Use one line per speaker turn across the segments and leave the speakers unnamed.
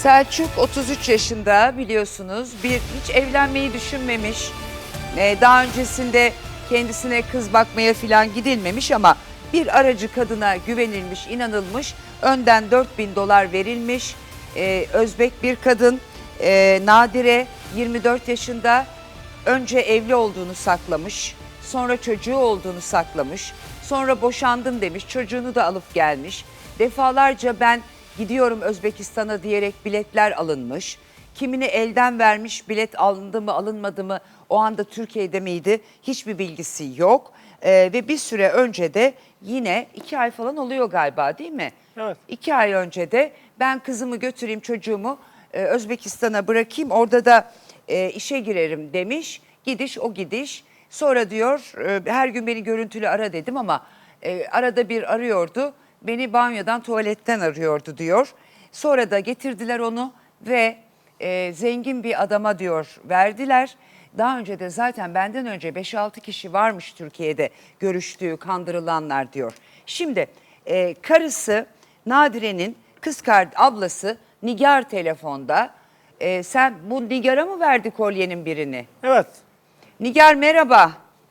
Selçuk 33 yaşında biliyorsunuz. Hiç evlenmeyi düşünmemiş. Daha öncesinde kendisine kız bakmaya falan gidilmemiş ama bir aracı kadına güvenilmiş, inanılmış. Önden 4.000 dolar verilmiş. Özbek bir kadın, Nadire 24 yaşında. Önce evli olduğunu saklamış. Sonra çocuğu olduğunu saklamış. Sonra boşandım demiş. Çocuğunu da alıp gelmiş. Defalarca ben gidiyorum Özbekistan'a diyerek biletler alınmış. Kimini elden vermiş, bilet alındı mı alınmadı mı, o anda Türkiye'de miydi hiçbir bilgisi yok. Ve bir süre önce de yine 2 ay falan oluyor galiba, değil mi?
Evet.
2 ay önce de ben kızımı götüreyim, çocuğumu Özbekistan'a bırakayım, orada da işe girerim demiş. Gidiş o gidiş. Sonra diyor her gün beni görüntülü ara dedim ama arada bir arıyordu. Beni banyodan, tuvaletten arıyordu diyor. Sonra da getirdiler onu ve zengin bir adama diyor verdiler. Daha önce de zaten benden önce 5-6 kişi varmış Türkiye'de görüştüğü, kandırılanlar diyor. Şimdi karısı Nadire'nin ablası Nigar telefonda. Sen bu Nigar'a mı verdi kolyenin birini?
Evet.
Nigar merhaba.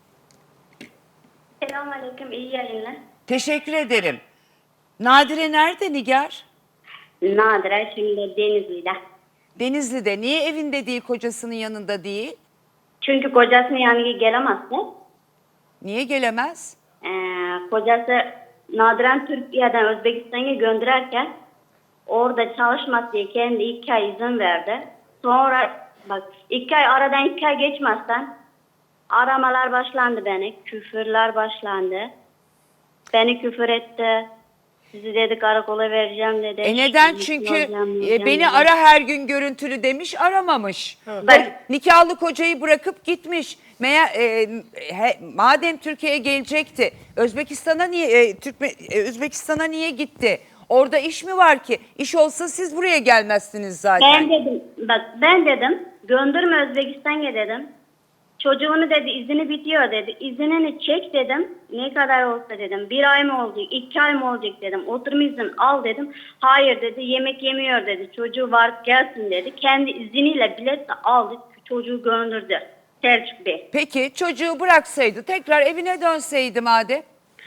Selamünaleyküm, iyi yayınlar.
Teşekkür ederim. Nadire nerede Nigar?
Nadire şimdi Denizli'de.
Denizli'de. Niye evinde değil, kocasının yanında değil?
Çünkü kocasının yanına gelemezdi.
Niye gelemez?
Kocası Nadiren Türkiye'den Özbekistan'a gönderirken orada çalışmak diye kendi 2 ay izin verdi. Sonra bak 2 ay aradan 2 ay geçmezsen aramalar başlandı beni. Küfürler başlandı. Beni küfür etti. Sizi dedi karakola vereceğim dedi.
Neden?
Sizi
Çünkü
vereceğim
beni
dedi.
ara her gün görüntülü demiş, aramamış.
Bak-
Nikahlı kocayı bırakıp gitmiş. Madem Türkiye'ye gelecekti, Özbekistan'a niye Özbekistan'a niye gitti? Orada iş mi var ki? İş olsa siz buraya gelmezsiniz zaten.
Ben dedim gönderme Özbekistan'a dedim. Çocuğunu dedi izini bitiyor dedi. İzinini çek dedim. Ne kadar olsa dedim. 1 ay mı olacak, 2 ay mı olacak dedim. Oturum izin al dedim. Hayır dedi, yemek yemiyor dedi. Çocuğu var gelsin dedi. Kendi izniyle bilet de aldı. Çocuğu gönderdi. Selçuk Bey.
Peki çocuğu bıraksaydı, tekrar evine dönseydi madem?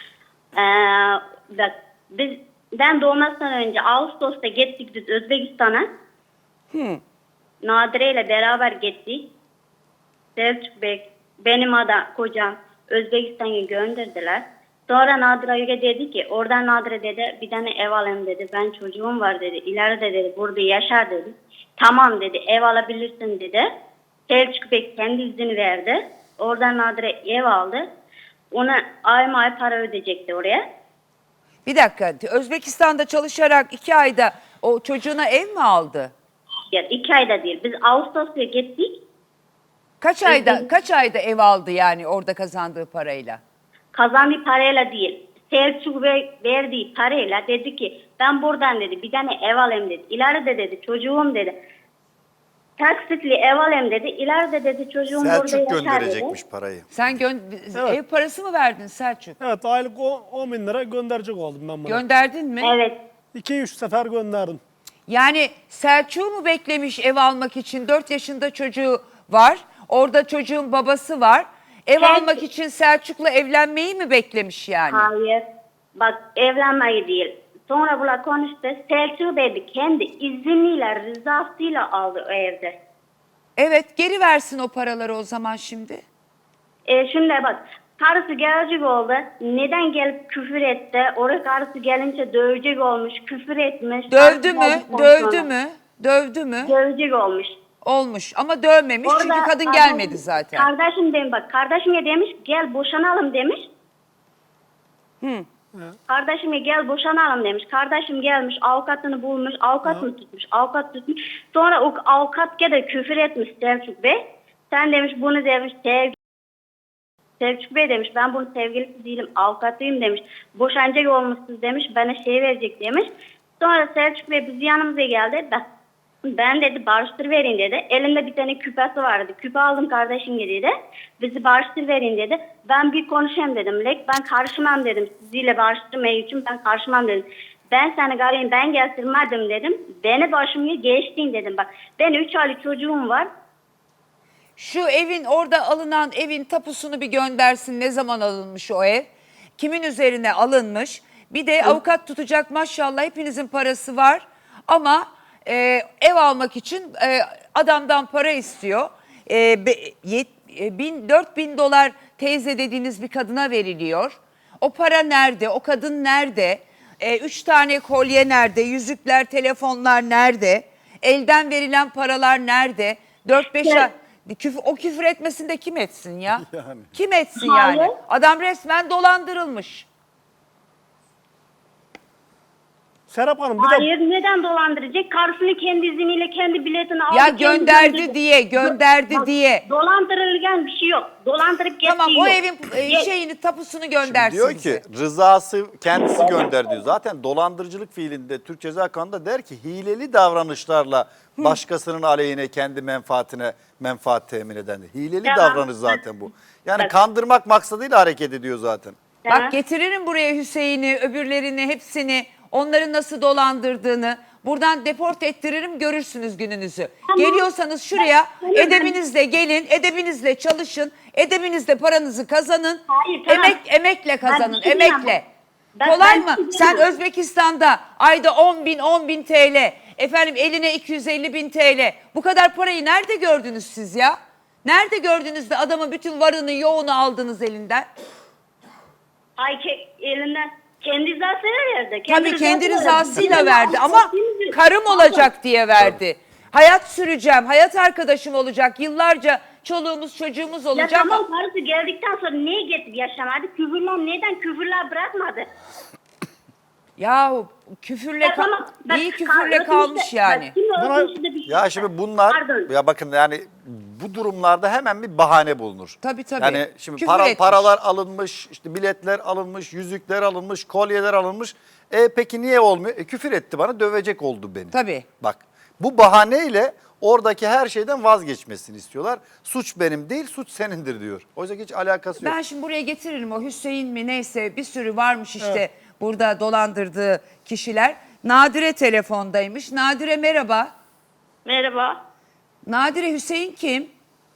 Bak ben doğmasından önce Ağustos'ta gittik biz Özbekistan'a. Nadire ile beraber gittik. Selçuk Bey, benim kocam Özbekistan'a gönderdiler. Sonra Nadire dedi ki, oradan Nadire dedi bir tane ev alayım dedi. Ben çocuğum var dedi. İleride dedi burada yaşar dedi. Tamam dedi, ev alabilirsin dedi. Selçuk Bey kendi izni verdi. Oradan Nadire ev aldı. Ona ay para ödeyecekti oraya.
Bir dakika, Özbekistan'da çalışarak 2 ayda o çocuğuna ev mi aldı?
Ya 2 ayda değil. Biz Ağustos'ta gittik.
Kaç ayda ev aldı yani orada kazandığı parayla?
Kazandığı parayla değil. Selçuk Bey verdiği parayla dedi ki ben buradan dedi bir tane ev alayım dedi. İleride dedi çocuğum dedi. Taksitli ev alayım dedi. İleride dedi çocuğum burada
Selçuk
yaşar dedi.
gönderecekmiş parayı.
Sen ev parası mı verdin Selçuk?
Evet, aylık 10 bin lira gönderecek oldum ben buna.
Gönderdin mi?
Evet.
2-3 sefer gönderdim.
Yani Selçuk'u mu beklemiş ev almak için? 4 yaşında çocuğu var. Orada çocuğun babası var. Ev almak için Selçuk'la evlenmeyi mi beklemiş yani?
Hayır. Bak evlenmeyi değil. Sonra bunlar konuştu. Selçuk Bey kendi izniyle rızasıyla aldı o evde.
Evet, geri versin o paraları o zaman şimdi.
Şimdi bak karısı gelecek oldu. Neden gelip küfür etti? Oraya karısı gelince dövecek olmuş. Küfür etmiş.
Dövdü mü?
Karısı
Dövdü
sonra
mü? Dövdü mü?
Dövecek olmuş.
Olmuş ama dövmemiş çünkü
Orada
kadın
adam-
gelmedi zaten.
Kardeşim demiş bak kardeşime demiş gel boşanalım demiş. Kardeşime gel boşanalım demiş. Kardeşim gelmiş avukatını bulmuş. Avukatını tutmuş. Avukat tutmuş. Sonra o avukat de küfür etmiş Selçuk Bey. Sen demiş bunu demiş Selçuk Bey demiş ben bunun sevgilisi değilim avukatıyım demiş. Boşanacak olmuşsunuz demiş bana şey verecek demiş. Sonra Selçuk Bey biz yanımıza geldi. Ben dedi barıştır verin dedi. Elimde bir tane küpesi vardı. Küpe aldım kardeşim dedi. Bizi barıştır verin dedi. Ben bir konuşayım dedim. Ben karışmam dedim. Siziyle barıştırmaya için ben karışmam dedim. ben seni garayım ben getirmedim dedim. Beni başımı geçtin dedim. Bak ben 3 aylık çocuğum var.
Şu evin orada alınan evin tapusunu bir göndersin. Ne zaman alınmış o ev? Kimin üzerine alınmış? Bir de avukat tutacak maşallah hepinizin parası var. Ama ev almak için adamdan para istiyor. 4.000 dolar teyze dediğiniz bir kadına veriliyor. O para nerede? O kadın nerede? 3 tane kolye nerede? Yüzükler, telefonlar nerede? Elden verilen paralar nerede? 4-5 ay... O küfür etmesin de kim etsin ya?
Yani.
Kim etsin
Hayır.
yani? Adam resmen dolandırılmış.
Serap Hanım bir de
Hayır neden dolandıracak? Karısını kendi izniyle kendi biletini aldı.
Ya
kendi
gönderdi
gönderdi.
diye, gönderdi
Bak,
diye.
Dolandırılgan bir şey yok. Dolandırıp geçtiği
Tamam o
yok.
evin
Ye-
şeyini tapusunu göndersin
Diyor
bize.
ki rızası kendisi gönder diyor. Zaten dolandırıcılık fiilinde Türk Ceza Kanunu'nda der ki hileli davranışlarla başkasının aleyhine kendi menfaat temin edendir. Hileli
Tamam.
davranış zaten bu. Yani
Bak.
kandırmak maksadıyla hareket ediyor zaten.
Tamam.
Bak getiririm buraya Hüseyin'i, öbürlerini, hepsini, onları nasıl dolandırdığını. Buradan deport ettiririm, görürsünüz gününüzü.
Tamam.
Geliyorsanız şuraya
Tamam.
edebinizle gelin, edebinizle çalışın, edebinizle paranızı kazanın.
Hayır, tamam.
Emekle kazanın,
Ben bir şey diyemem.
emekle.
Ben
Kolay
bir
mı?
şey
Sen
diyemem.
Özbekistan'da ayda 10 bin TL, efendim eline 250 bin TL. Bu kadar parayı nerede gördünüz siz ya? Nerede gördünüz de adamın bütün varını yoğunu aldınız elinden?
Ay elinden kendi rızasıyla verdi.
Tabii kendi
rızasıyla
rızasıyla
verdi.
verdi ama karım olacak diye verdi. Hayat süreceğim, hayat arkadaşım olacak, yıllarca çoluğumuz çocuğumuz
Ya
olacak.
tamam karısı geldikten sonra niye getirip yaşamadı? Küfürler neden küfürler bırakmadı?
Yahu küfürle,
Ya tamam, bak,
iyi küfürle
öpüşte-
kalmış yani.
bak, şimdi
Buna-
öpüşte bir şey
Ya
var.
şimdi bunlar
Pardon.
ya bakın yani bu durumlarda hemen bir bahane bulunur.
Tabii, tabii.
Yani şimdi
Küfür etmiş.
paralar alınmış, işte biletler alınmış, yüzükler alınmış, kolyeler alınmış. Peki niye olmuyor? Küfür etti bana, dövecek oldu beni.
Tabii.
Bak bu bahaneyle oradaki her şeyden vazgeçmesini istiyorlar. Suç benim değil, suç senindir diyor. Oysa ki hiç alakası yok.
Ben şimdi buraya getiririm o Hüseyin mi neyse bir sürü varmış işte burada dolandırdığı kişiler. Nadire telefondaymış. Nadire merhaba.
Merhaba.
Nadire Hüseyin kim?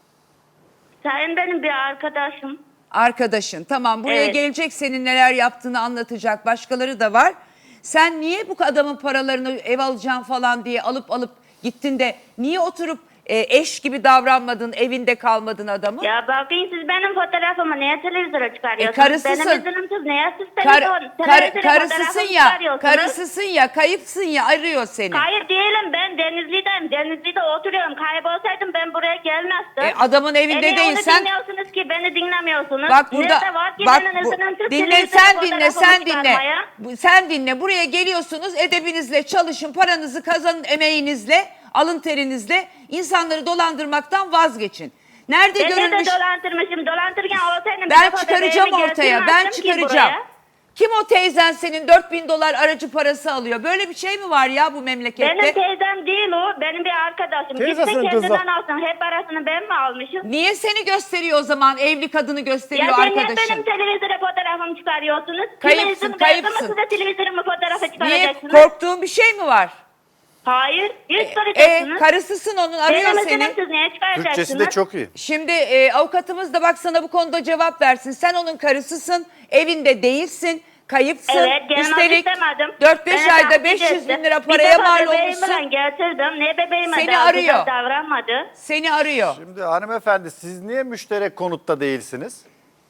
Sen benim bir arkadaşım.
Arkadaşın. Tamam buraya
Evet.
gelecek senin neler yaptığını anlatacak. Başkaları da var. Sen niye bu adamın paralarını ev alacağım falan diye alıp gittin de niye oturup eş gibi davranmadın, evinde kalmadın adamı?
Ya bakın siz benim fotoğrafımı niye televizyona çıkarıyorsunuz?
karısısın.
Benim üzülümsüz niye siz
Karısısın
fotoğrafımı
ya,
çıkarıyorsunuz?
karısısın ya, kayıpsın ya, arıyor seni.
Kayıp değilim ben Denizli'deyim. Denizli'de oturuyorum. Kaybolsaydım ben buraya gelmezdim.
Adamın evinde
niye
değilsen...
onu dinliyorsunuz ki beni dinlemiyorsunuz?
Bak burada
Nerede var ki
bak
benim üzülümsüz
dinle
televizyona
sen dinle
fotoğrafımı
sen dinle.
çıkarmaya?
Sen dinle buraya geliyorsunuz edebinizle çalışın paranızı kazanın emeğinizle alın terinizle insanları dolandırmaktan vazgeçin. Nerede
Ben de
görülmüş?
dolandırmışım. Dolandırırken olsaydım
Ben
bir defa
çıkaracağım
bebeğimi
ortaya. Ben
getirmezdim ki
çıkaracağım.
buraya.
Kim o teyzen senin 4.000 dolar aracı parası alıyor? Böyle bir şey mi var ya bu memlekette?
Benim teyzem değil o. Benim bir arkadaşım.
Teyzesinin
Gitsin
kızı.
kendinden alsın. Hep parasını ben mi almışım?
Niye seni gösteriyor o zaman? Evli kadını gösteriyor
Ya sen niye
arkadaşın.
benim televizyona fotoğrafımı çıkarıyorsunuz?
Kayıpsın, kayıpsın.
Siz de televizyonuma fotoğrafı
Niye?
çıkaracaksınız.
Korktuğun bir şey mi var?
Hayır. Yüz soracaksınız.
Karısısın onun arıyor
Benim
seni.
üzülümsüz niye çıkaracaksınız?
Türkçesi de çok iyi.
Şimdi avukatımız da bak sana bu konuda cevap versin. Sen onun karısısın, evinde değilsin, kayıpsın.
Evet, gelmek
Üstelik
istemedim.
4-5 ayda 500 bin lira paraya mal olmuşsun.
Ben getirdim. Ne bebeğime
Seni
daha
arıyor.
güzel davranmadı.
Seni arıyor.
Şimdi hanımefendi siz niye müşterek konutta değilsiniz?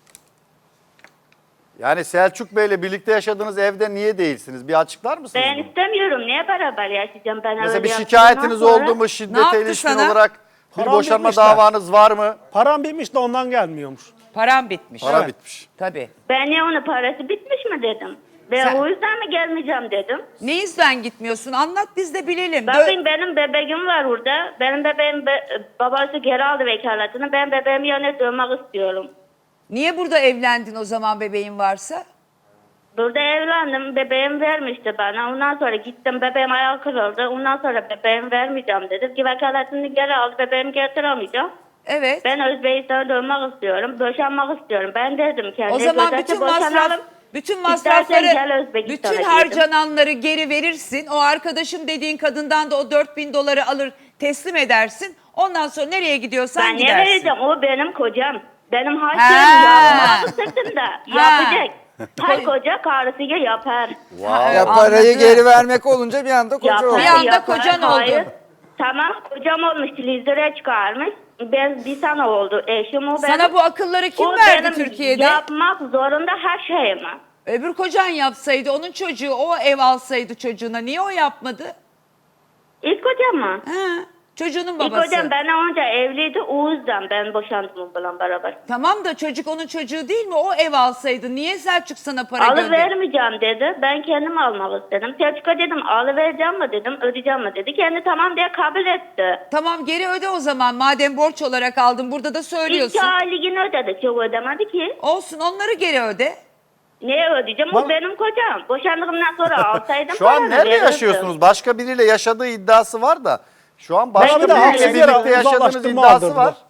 Yani Selçuk Bey'le birlikte yaşadığınız evde niye değilsiniz? Bir açıklar mısınız
Ben
bunu?
istemiyorum. Niye beraber yaşayacağım? Ben
Mesela
öyle
bir
yaptığımdan
şikayetiniz
sonra-
oldu mu?
Ne
Şiddete
yaptı
ilişkin
sana?
olarak bir
Param
boşanma
bitmiş de.
davanız var mı?
Param bitmiş de ondan gelmiyormuş.
Param bitmiş.
Para
Evet.
bitmiş.
Tabii.
Ben niye onun parası bitmiş mi dedim. Ben
Sen-
o yüzden mi gelmeyeceğim dedim.
Ne yüzden gitmiyorsun? Anlat biz de bilelim.
Bakın benim bebeğim var burada. Benim bebeğim babası geri aldı vekaletini. Ben bebeğimi yanına dönmek istiyorum.
Niye burada evlendin o zaman bebeğin varsa?
Burada evlendim. Bebeğim vermişti bana. Ondan sonra gittim. Bebeğim ayağı kırıldı. Ondan sonra bebeğimi vermeyeceğim dedim. Ki vekaletini geri aldı. Bebeğimi getiremeyeceğim.
Evet.
Ben Özbekistan'a dönmek istiyorum. Boşanmak istiyorum. Ben dedim kendi.
O zaman
kocası
bütün masraf,
boşanalım.
Bütün
gel
masrafları,
Özbekistan'a
bütün
diyelim.
harcananları geri verirsin. O arkadaşım dediğin kadından da o 4.000 doları alır teslim edersin. Ondan sonra nereye gidiyorsan
Ben ne
gidersin.
vereceğim? O benim kocam. Benim
Ha.
harçlığım yapmadı sırtımda.
Ha.
Yapacak. Her koca karısıyla yapar.
Wow.
Ya parayı
Anladım.
geri vermek olunca bir anda koca
Yapar,
oldu.
Bir anda
yapar.
kocan oldu.
Hayır. Tamam kocam olmuş. Televizyona çıkarmış. Ben bir sene oldu. Eşim o benim.
Sana bu akılları kim
O
verdi
benim
Türkiye'de?
yapmak zorunda her şeyimi.
Öbür kocan yapsaydı, onun çocuğu o ev alsaydı çocuğuna. Niye o yapmadı?
İlk kocam mı?
Ha, çocuğunun
İlk
babası.
kocam benden önce evliydi. O yüzden ben boşandım onunla beraber.
Tamam da çocuk onun çocuğu değil mi? O ev alsaydı. Niye Selçuk sana para gönderdi?
Alıvermeyeceğim dedi. Ben kendim almalı dedim. Selçuk'a dedim alıvereceğim mi dedim. Ödeyeceğim mi dedi. Kendi tamam diye kabul etti.
Tamam geri öde o zaman. Madem borç olarak aldın burada da söylüyorsun.
2 aylık ödedi. Çok ödemedi ki.
Olsun onları geri öde.
Neye ödeyeceğim? O benim kocam. Boşandığımdan sonra alsaydım
Şu an
paranı
nerede
verirdim.
yaşıyorsunuz? Başka biriyle yaşadığı iddiası var da. Şu an başka
Bana bir de
biriyle
haksız yere
birlikte yaşadığınız
uzaklaştırma
iddiası
aldırdılar.
var.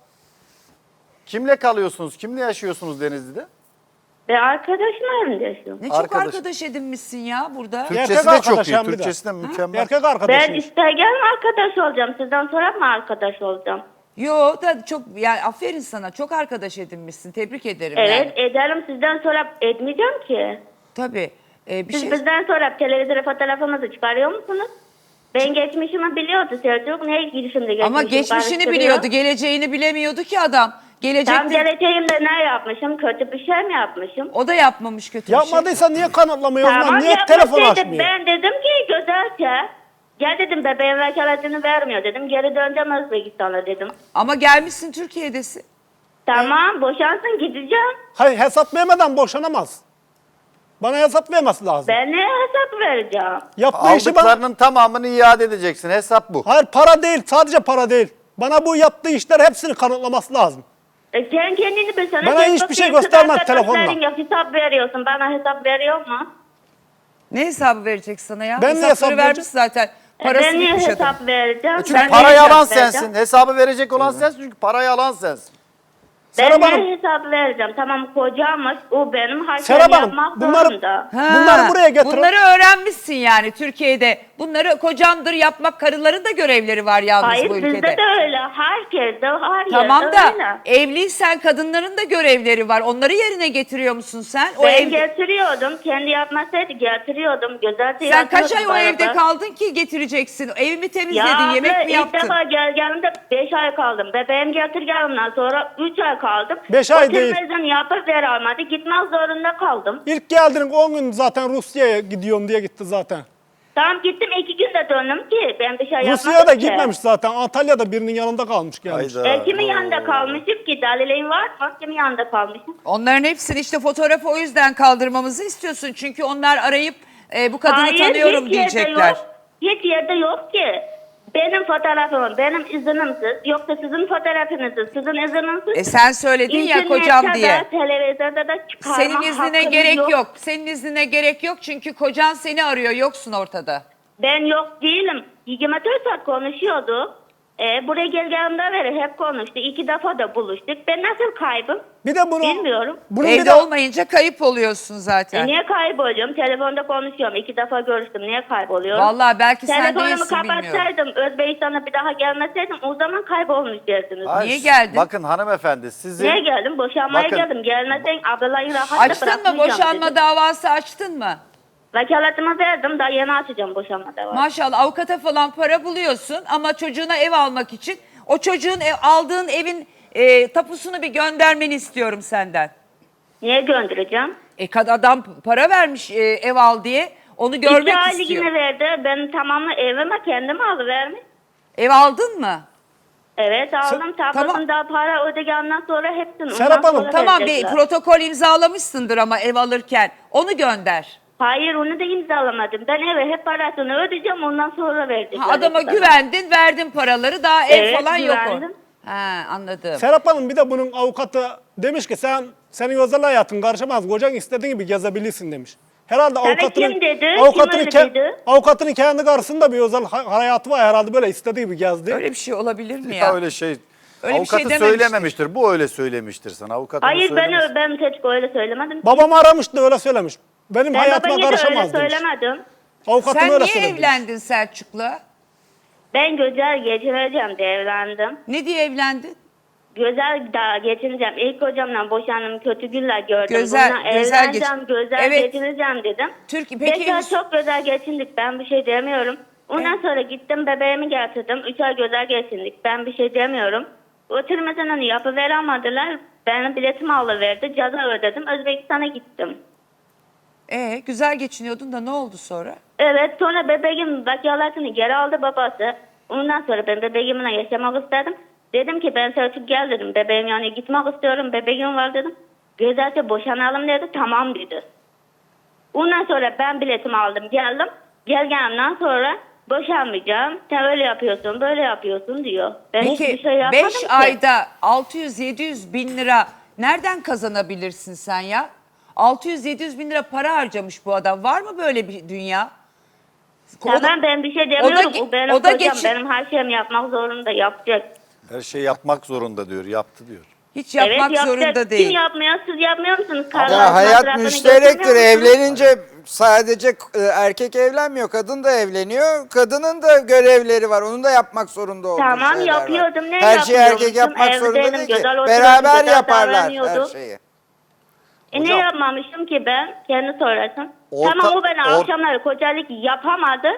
Kimle kalıyorsunuz? Kimle yaşıyorsunuz Denizli'de?
Ben arkadaşımla evinde yaşıyorum.
Ne çok
Arkadaş.
arkadaş edinmişsin ya burada.
Türkçesi de
arkadaş
çok iyi.
hem bir de.
Türkçesi de mükemmel.
Erkek
Ben
arkadaşım.
isterken arkadaş olacağım. Sizden sonra mı arkadaş olacağım?
Yo da çok yani aferin sana. Çok arkadaş edinmişsin. Tebrik ederim
Evet
yani.
ederim. Sizden sonra etmeyeceğim ki.
Tabii. Bir
Siz
şey
bizden sonra televizyona fotoğrafımızı çıkarıyor musunuz? Ben geçmişimi biliyordu Selçuk. Ne girişimde geçmişim?
ama geçmişini
karıştırıyor.
biliyordu. Geleceğini bilemiyordu ki adam.
Tam
Gelecekte
geleceğimde ne yapmışım? Kötü bir şey mi yapmışım?
o da yapmamış kötü bir şey.
Yapmadıysa niye kanıtlamıyor o zaman?
Tamam
Niye telefon
yapmasaydı
açmıyor?
ben dedim ki güzelce. Gel dedim bebeğin vekaletini vermiyor dedim. Geri döneceğim Özbekistan'a dedim.
Ama gelmişsin Türkiye'desin.
Tamam boşansın gideceğim.
Hayır hesap vermeden boşanamaz. Bana hesap vermesi lazım.
Ben ne hesap vereceğim?
Yaptığı işi bana...
Aldıklarının tamamını iade edeceksin. Hesap bu.
Hayır para değil, sadece para değil. Bana bu yaptığı işler hepsini kanıtlaması lazım.
Sen kendini bilsene.
Bana
sen
hiçbir şey
bakıyorsun,
göstermez
arkadaşların
telefonla.
yok, hesap veriyorsun. Bana hesap veriyor mu?
Ne hesabı verecek sana ya?
Ben ne
Hesapları
hesap
vermiş
vereceğim?
zaten. Parası
Ben niye
bitmiş adam.
hesap vereceğim?
Çünkü
Ben niye
parayı
hesap
alan
vereceğim?
sensin. Hesabı verecek olan sensin çünkü parayı alan sensin.
Ben
Serap
niye
Hanım.
hesap vereceğim? Tamam kocammış. O benim
Serap
harçlarımı
Hanım,
yapmak
bunları-
zorunda.
Bunları buraya getirin.
Bunları öğrenmişsin yani Türkiye'de. Bunları kocamdır yapmak, karıların da görevleri var yalnız
Hayır
bu ülkede.
bizde de öyle. Herkes de her
Tamam
yerde
da
öyle.
evliysen kadınların da görevleri var. Onları yerine getiriyor musun sen? O
Ben
ev...
getiriyordum. Kendi yapmasaydı getiriyordum. Güzelce
Sen kaç ay o
yapıyordum
evde
beraber.
kaldın ki getireceksin? Evi mi temizledin,
Ya
yemek
abla,
mi
ilk
yaptın?
defa geldiğimde 5 ay kaldım. Bebeğim getirdiğimden sonra 3 ay kaldım.
5 ay değil.
Televizyon yapıp ver almadı. Gitmek zorunda kaldım.
İlk geldiğin 10 gün zaten Rusya'ya gidiyorum diye gitti zaten.
Tamam gittim 2 günde döndüm ki. Ben bir şey yapmadım
Rusya'ya da
ki.
gitmemiş zaten. Antalya'da birinin yanında kalmış gelmiş.
Hayda.
Kimin yanında kalmışım ki? Dalilin var mı? Kimin yanında kalmışım?
Onların hepsini işte fotoğrafı o yüzden kaldırmamızı istiyorsun. Çünkü onlar arayıp bu kadını tanıyorum
hiç yerde
diyecekler.
yok. Hiç yerde yok ki. Benim fotoğrafım, benim iznimsiz. Yoksa sizin fotoğrafınızı, sizin izniniz.
Sen söyledin ya kocam diye.
Televizyonda da çıkarma
Senin iznine
hakkım
gerek yok. Senin iznine gerek yok çünkü kocan seni arıyor. Yoksun ortada.
Ben yok değilim. 24 saat konuşuyordu. Buraya geldiğimde beri hep konuştu. 2 defa da buluştuk. Ben nasıl kaybım?
Bir de bunu...
Bilmiyorum.
Bunun bir
Evde
de...
olmayınca kayıp oluyorsun zaten.
Niye kayboluyorum? Telefonda konuşuyorum. 2 defa görüştüm. Niye kayboluyorum?
Vallahi belki sen
Telefonumu
değilsin bilmiyorum.
kapatsaydım, Özbekistan'a bir daha gelmeseydim o zaman kaybolmuş derdiniz.
Hayır,
Niye geldin?
Bakın hanımefendi sizin...
Niye geldim? Boşanmaya
Bakın.
geldim. Gelmesen ablaları rahatla
Açtın mı?
bırakmayacağım
Boşanma
dedim.
davası açtın mı?
Vekaletimi verdim. Daha yeni açacağım boşanma davası.
Maşallah avukata falan para buluyorsun ama çocuğuna ev almak için o çocuğun aldığın evin tapusunu bir göndermeni istiyorum senden.
Niye göndereceğim?
Adam para vermiş ev al diye onu görmek
2 aylık
istiyor.
yine verdi. Ben tamamı evime kendim alıvermiş.
Ev aldın mı?
Evet aldım.
tamam.
Tapusunu da para ödegenden sonra hepsini.
Serap
ondan
Hanım,
sonra
Tamam bir
verecekler.
protokol imzalamışsındır ama ev alırken onu gönder.
Hayır onu da imzalamadım. Ben eve hep parasını ödeyeceğim ondan sonra verecekler.
Adama
bana.
güvendin, verdin paraları daha ev
Evet,
falan yok o.
güvendim.
Ha anladım.
Serap Hanım bir de bunun avukatı demiş ki senin özel hayatın karışamaz. Kocan istediğin gibi gezebilirsin demiş. Herhalde avukatının,
kim dedi? Kim
avukatının,
öyle dedi?
avukatının kendi karşısında bir özel hayatı var herhalde böyle istediği gibi gezdi.
Öyle bir şey olabilir mi
Ya
ya?
öyle şey...
Öyle bir
avukatı
şey dememiştir.
söylememiştir. Bu öyle söylemiştir sana. Avukat onu
Hayır
söylemez.
ben Teçko öyle söylemedim.
Babamı aramıştı öyle söylemiş. benim
Ben
hayatıma
babana da öyle
karışamaz demiş.
söylemedim.
Avukatım
Sen
öyle
niye
söyledi.
evlendin Selçuk'la?
Ben güzel geçineceğim diye evlendim.
Ne diye evlendin?
Güzel daha geçineceğim. İlk hocamla boşandım. Kötü günler gördüm.
Güzel-
Bununla
güzel
evleneceğim. Güzel
Evet.
geçineceğim dedim.
Peki
5 ay çok güzel geçindik. Ben bir şey demiyorum. Ondan sonra gittim bebeğimi getirdim. 3 ay güzel geçindik. Ben bir şey demiyorum. Oturmasını yapıveremediler. Benim biletimi alıverdi. Ceza ödedim. Özbekistan'a gittim.
Güzel geçiniyordun da ne oldu sonra?
Evet, sonra bebeğim vekaletini geri aldı babası. Ondan sonra ben bebeğimle yaşamak istedim. Dedim ki ben Selçuk gel dedim. Bebeğim yani gitmek istiyorum. Bebeğim var dedim. Güzelce boşanalım dedi. Tamam dedi. Ondan sonra ben biletimi aldım geldim. Gelgemden sonra boşanmayacağım. Sen öyle yapıyorsun böyle yapıyorsun diyor. Ben hiçbir
Peki
şey yapmadım
5
ki.
ayda 600-700 bin lira nereden kazanabilirsin sen ya? 600-700 bin lira para harcamış bu adam. Var mı böyle bir dünya?
Tamam ben bir şey demiyorum. O, benim
o da
kocam
geçin-
benim her şeyimi yapmak zorunda yapacak.
Her şeyi yapmak zorunda diyor. Yaptı diyor.
Hiç yapmak
evet, yapacak.
zorunda değil.
Kim yapmıyor? Siz yapmıyor musunuz?
Ya
Karılarınız
hayat
masrafını
müşterektir.
götürmüyor musunuz?
Evlenince sadece erkek evlenmiyor. Kadın da evleniyor. Kadının da görevleri var. Onun da yapmak zorunda olduğu
Tamam,
şeyler var.
yapıyordum. Ne
Her şeyi erkek
yapıyormuşum?
yapmak
Evdeydim,
zorunda değil ki.
güzel oturuyordum,
Beraber
güzel
yaparlar her
davranıyordum.
şeyi.
Ne
Hocam-
yapmamışım ki ben? Kendi sorasın.
Orta-
Tamam o beni
or-
akşamları kocalık yapamadı.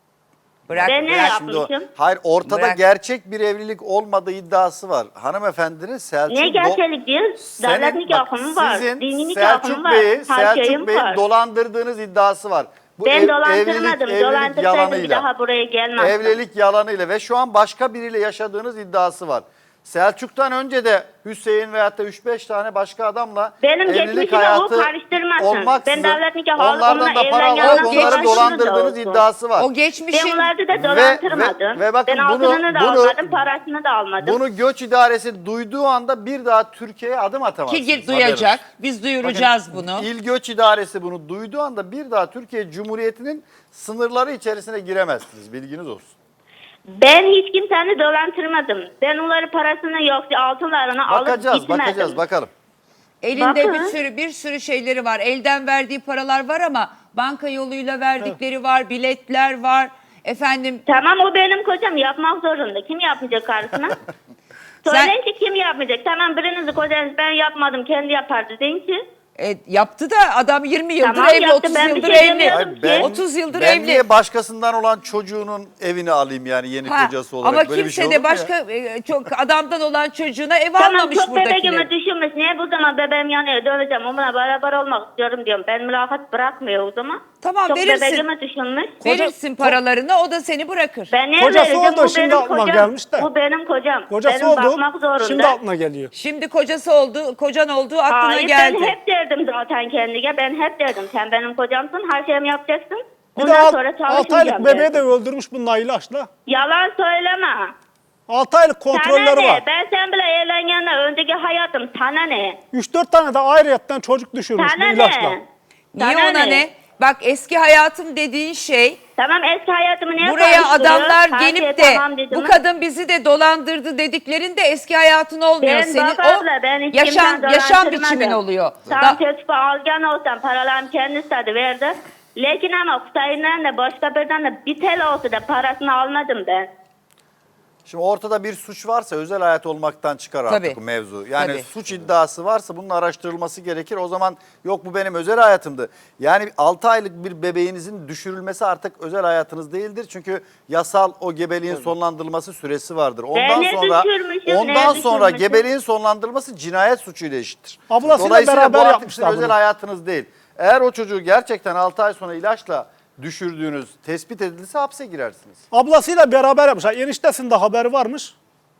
Bırak,
Ben ne
bırak.
yapmışım?
Hayır, ortada
Bırak.
gerçek bir evlilik olmadığı iddiası var. Hanımefendinin Selçuk
Ne gerçelik değil? Devlet nikahım var.
Sizin
Dini nikahım
Selçuk
var.
Bey'i
Her şeyim
Selçuk Bey'i
var.
dolandırdığınız iddiası var. Bu
Ben
evlilik
dolandırmadım. Dolandırsaydım bir
yalanıyla.
daha buraya gelmezdim.
Evlilik yalanıyla ve şu an başka biriyle yaşadığınız iddiası var. Selçuk'tan önce de Hüseyin veyahut da 3-5 tane başka adamla
Benim
evlilik
geçmişimi o
hayatı
karıştırmasın.
olmaksızın
Ben devlet nikahı alıp
onlardan
onunla
da para
evleneceğim.
alıp
O
onları
geçmişini
dolandırdığınız
de olsun.
iddiası var.
O geçmişin
Ben onları da dolandırmadım.
ve bakın
ben
bunu-
altınını da
bunu-
almadım, parasını da almadım.
Bunu göç idaresi duyduğu anda bir daha Türkiye'ye adım atamazsınız.
ki duyacak.
Haberiniz.
Biz duyuracağız bunu.
İl Göç İdaresi bunu duyduğu anda bir daha Türkiye Cumhuriyeti'nin sınırları içerisine giremezsiniz. Bilginiz olsun.
Ben hiç kimseyi dolandırmadım. Ben onları parasını yoksa altınlarını alıp
Bakacağız,
gitmedim.
bakalım.
Elinde
Bakın.
bir sürü şeyleri var. Elden verdiği paralar var ama banka yoluyla verdikleri var, biletler var. Efendim
Tamam o benim kocam yapmak zorunda. Kim yapmayacak karısına? Söyleyin ki kim yapmayacak? Tamam birinizi kocanız ben yapmadım kendi yapardı deyin ki.
yaptı da adam 20 yıldır
Tamam,
evli,
yaptı.
30
Ben bir
yıldır
şey
evli.
demiyorum ki.
30 yıldır
ben
evli.
niye başkasından olan çocuğunun evini alayım yani yeni
Ha,
kocası olarak?
ama
Böyle bir
kimse
şey olur
de
mu ya?
başka çok adamdan olan çocuğuna ev
Tamam
almamış
çok bebeğimi
buradakiler.
düşünmüş. Niye bu zaman bebeğim yanıyor döneceğim onunla beraber olmak istiyorum diyorum. Ben mülakat bırakmıyor o zaman.
Tamam,
çok
verirsin.
bebeğimi düşünmüş.
Verirsin paralarını o da seni bırakır.
Ben niye
Kocası
vereceğim?
oldu,
Bu
şimdi
benim
aklıma
kocam.
gelmiş de.
Bu benim kocam.
Kocası
benim
oldu.
bakmak zorunda.
Şimdi aklına geliyor.
Şimdi kocası oldu, kocan olduğu aklına
Hayır
geldi.
ben hep derdim zaten kendine. Ben hep derdim sen benim kocamsın her şeyimi yapacaksın.
Bir de
Ondan sonra
6
çalışmayacağım
aylık bebeği de
derdim.
öldürmüş bununla ilaçla.
Yalan söyleme.
6 aylık
Sana
kontrolleri
ne?
var.
Ben sen bile evlenenden önceki hayatım sana ne?
3-4 tane de ayrıyetten çocuk düşürmüş bu
Sana
ilaçla.
ne?
Niye
Sana
ona ne? Bak eski hayatım dediğin şey
Tamam eski hayatımı niye
buraya
karıştırıyor?
adamlar
Her
gelip
şey
de
tamam dedim
bu
mi?
kadın bizi de dolandırdı dediklerinde eski hayatın olmuyor.
Ben
Senin
bak
o
abla, ben hiç
yaşam
kimden
yaşam
dolandırmadım.
biçimin oluyor.
Tam teşvik algan olsam paralarım kendi istedi verdi. Lakin ama Kutay'ından da başka birden de bir tel olsa da parasını almadım ben.
Şimdi ortada bir suç varsa özel hayat olmaktan çıkar artık
Tabii.
bu mevzu. Yani
Tabii.
suç iddiası varsa bunun araştırılması gerekir. O zaman yok bu benim özel hayatımdı. Yani 6 aylık bir bebeğinizin düşürülmesi artık özel hayatınız değildir. Çünkü yasal o gebeliğin sonlandırılması süresi vardır. Ondan
ne
sonra
düşürmüşüm, ne
sonra
düşürmüşüm?
gebeliğin sonlandırılması cinayet suçuyla eşittir.
Ablasıyla
Dolayısıyla
beraber
bu artık
yapmışlar
sizin özel
bunu.
hayatınız değil. Eğer o çocuğu gerçekten 6 ay sonra ilaçla düşürdüğünüz tespit edilirse hapse girersiniz.
Ablasıyla beraber yapmışlar. Eniştesinde haberi varmış.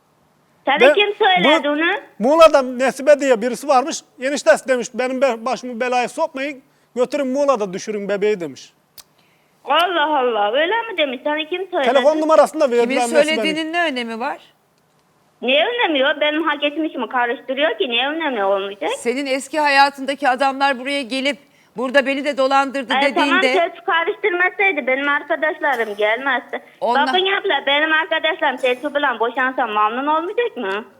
Sana
Ben-
kim söyledi
bu-
onu?
Muğla'da Nesibe diye birisi varmış. Eniştesi demiş benim başımı belaya sokmayın. Götürün Muğla'da düşürün bebeği demiş.
Allah Allah öyle mi demiş? Sana kim söyledi?
Telefon numarasını da
Kimin
verdiler Nesibe'nin.
söylediğinin ne önemi var?
Niye önlemiyor? Benim hak etmişimi karıştırıyor ki niye önlemiyor olmayacak?
Senin eski hayatındaki adamlar buraya gelip burada beni de dolandırdı
Tamam
dediğinde
ses karıştırmasaydı benim arkadaşlarım gelmezdi.
Onlar-
Bakın abla benim arkadaşlarım Selçuk bilen boşansam memnun olmayacak mı?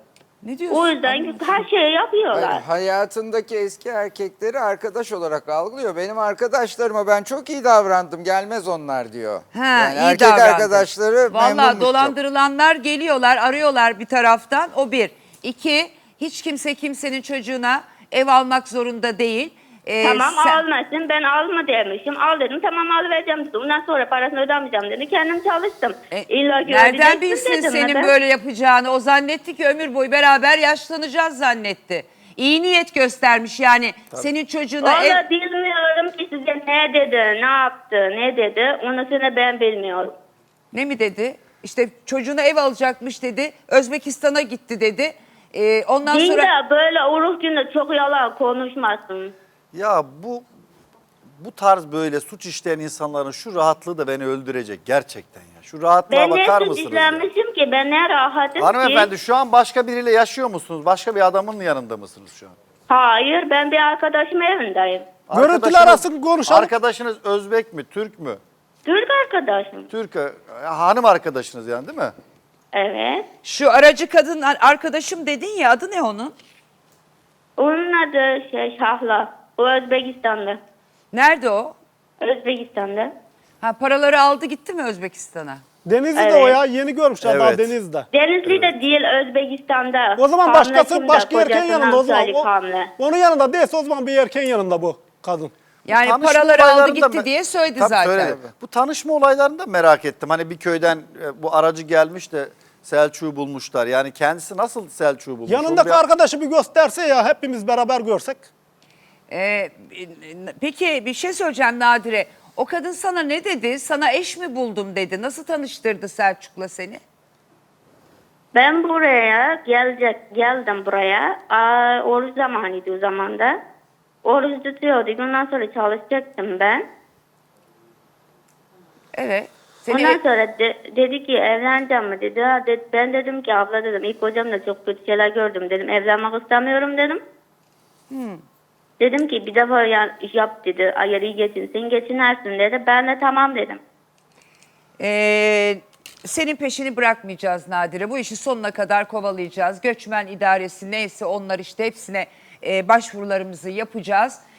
Ne diyorsun?
O yüzden her şeyi yapıyorlar.
Hayır, hayatındaki eski erkekleri arkadaş olarak algılıyor. Benim arkadaşlarıma ben çok iyi davrandım, gelmez onlar diyor.
Ha,
Yani
iyi
erkek
davrandı.
arkadaşları
Vallahi
memnunmuş çok.
dolandırılanlar geliyorlar, arıyorlar bir taraftan. O bir. İki, hiç kimse kimsenin çocuğuna ev almak zorunda değil.
Tamam
sen-
almasın, ben alma demişim. Al dedim, tamam alıvereceğim dedi. Ondan sonra parasını ödemeyeceğim dedi. Kendim çalıştım. İlla ki
Nereden
ödeyeceksin
bilsin
dedim
senin
ben.
böyle yapacağını? O zannetti ki ömür boyu beraber yaşlanacağız zannetti. İyi niyet göstermiş yani. Senin çocuğuna ev...
Valla bilmiyorum ki size ne dedi, ne yaptı, ne dedi. Onu sonra ben bilmiyorum.
Ne mi dedi? İşte çocuğuna ev alacakmış dedi. Özbekistan'a gitti dedi. Ondan
Din
sonra...
de böyle oruç günde çok yalan konuşmasın.
Ya bu tarz böyle suç işleyen insanların şu rahatlığı da beni öldürecek gerçekten ya. Şu rahatlığa
Ben ne
bakar
suç
mısınız ya?
işlemişim ki, ben ne rahatım
Hanımefendi
ki.
şu an başka biriyle yaşıyor musunuz? Başka bir adamın yanında mısınız şu an?
Hayır, ben bir arkadaşımın evindeyim.
Görüntüler
Arkadaşınız-
arasın konuşalım.
Arkadaşınız Özbek mi, Türk mü?
Türk arkadaşım.
Türk, hanım arkadaşınız yani değil mi?
Evet.
Şu aracı kadın arkadaşım dedin ya, adı ne onun?
Onun adı Şahla. O Özbekistan'da.
Nerede o?
Özbekistan'da.
Ha, paraları aldı gitti mi Özbekistan'a?
Denizli'de o ya, yeni görmüşler daha
Evet.
Denizli'de.
Denizli'de değil, Özbekistan'da.
O zaman
Kamle
başkası,
kimde?
başka erkeğin
Kocasının
yanında o zaman.
Salih Kamle.
Onun yanında değilse o zaman bir erkeğin yanında bu kadın.
Yani
Tanışma
paraları aldı
olaylarında
gitti diye söyledi
Tabii
zaten.
söyledi. Bu tanışma olaylarını da merak ettim. Hani bir köyden bu aracı gelmiş de Selçuk'u bulmuşlar. Yani kendisi nasıl Selçuk'u bulmuş?
Yanındaki
Onu bir-
arkadaşı bir gösterse ya, hepimiz beraber görsek.
Peki bir şey söyleyeceğim Nadire. O kadın sana ne dedi? Sana eş mi buldum dedi. Nasıl tanıştırdı Selçuk'la seni?
Ben buraya geldim buraya. Oruç zamanıydı o zaman da. Oruç tutuyorduk. Ondan sonra çalışacaktım ben.
Evet.
Ondan sonra dedi ki evleneceğim mi dedi. Ben dedim ki abla dedim, ilk hocamla çok kötü şeyler gördüm dedim. Evlenmek istemiyorum dedim. Dedim ki bir defa yap dedi. Eğer iyi geçinsin geçinersin dedi. Ben de tamam dedim.
Senin peşini bırakmayacağız Nadire. Bu işi sonuna kadar kovalayacağız. Göçmen idaresi neyse onlar işte hepsine başvurularımızı yapacağız.